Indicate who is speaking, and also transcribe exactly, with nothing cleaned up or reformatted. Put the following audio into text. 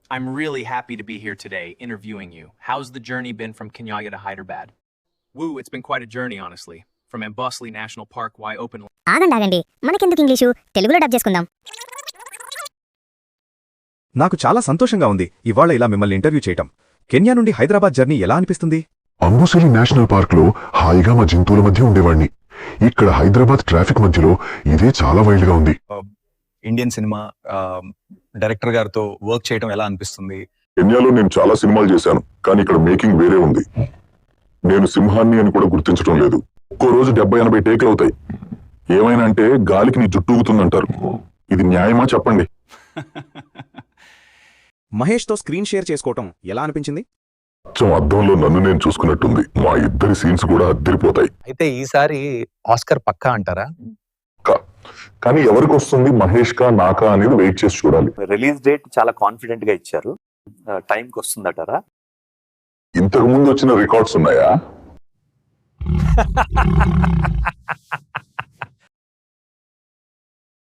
Speaker 1: I'm really happy to be here today interviewing you. How's the journey been from Kenyaga to Hyderabad? Woo, it's been quite a journey, honestly. From Ambosli National Park, why open...
Speaker 2: ఆగండి ఆగండి మనకెందుకు English తెలుగులో dub చేసుకుందాం.
Speaker 3: నాకు చాలా సంతోషంగా ఉంది ఇవాళ ఇలా మిమ్మల్ని ఇంటర్వ్యూ చేయటం. కెన్యా నుండి హైదరాబాద్ జర్నీ ఎలా అనిపిస్తుంది?
Speaker 4: అంబుసలి నేషనల్ పార్క్ లో హాయిగా మా జంతువుల మధ్య ఉండేవాడిని. ఇక్కడ హైదరాబాద్ ట్రాఫిక్ మధ్యలో ఇదే చాలా వైల్డ్ గా ఉంది.
Speaker 5: ఇండియన్ సినిమా డైరెక్టర్ గారితో వర్క్ చేయడం ఎలా అనిపిస్తుంది?
Speaker 4: కెన్యాలో నేను చాలా సినిమాలు చేశాను, కానీ ఇక్కడ మేకింగ్ వేరే ఉంది. నేను సింహాన్ని అని కూడా గుర్తించడం లేదు. ఒక్కో రోజు డెబ్బై ఎనభై టేకులు అవుతాయి. ఏమైనా అంటే గాలికి నీ జుట్టు ఊగుతుందంటారు. ఇది న్యాయమా చెప్పండి.
Speaker 3: మహేష్తో స్క్రీన్ షేర్ చేసుకోవటం ఎలా అనిపించింది?
Speaker 4: అచ్చం అద్దంలో నన్ను నేను చూసుకున్నట్టుంది. మా ఇద్దరి సీన్స్ కూడా అద్దరిపోతాయి.
Speaker 5: అయితే ఈసారి ఆస్కర్ పక్కా అంటారా?
Speaker 4: కానీ ఎవరికి వస్తుంది, మహేష్ కా నాకా అనేది వెయిట్ చేసి చూడాలి.
Speaker 6: రిలీజ్ డేట్ చాలా కాన్ఫిడెంట్ గా ఇచ్చారు. టైంకి వస్తుందటారా?
Speaker 4: ఇంతకు ముందు వచ్చిన రికార్డ్స్ ఉన్నాయా?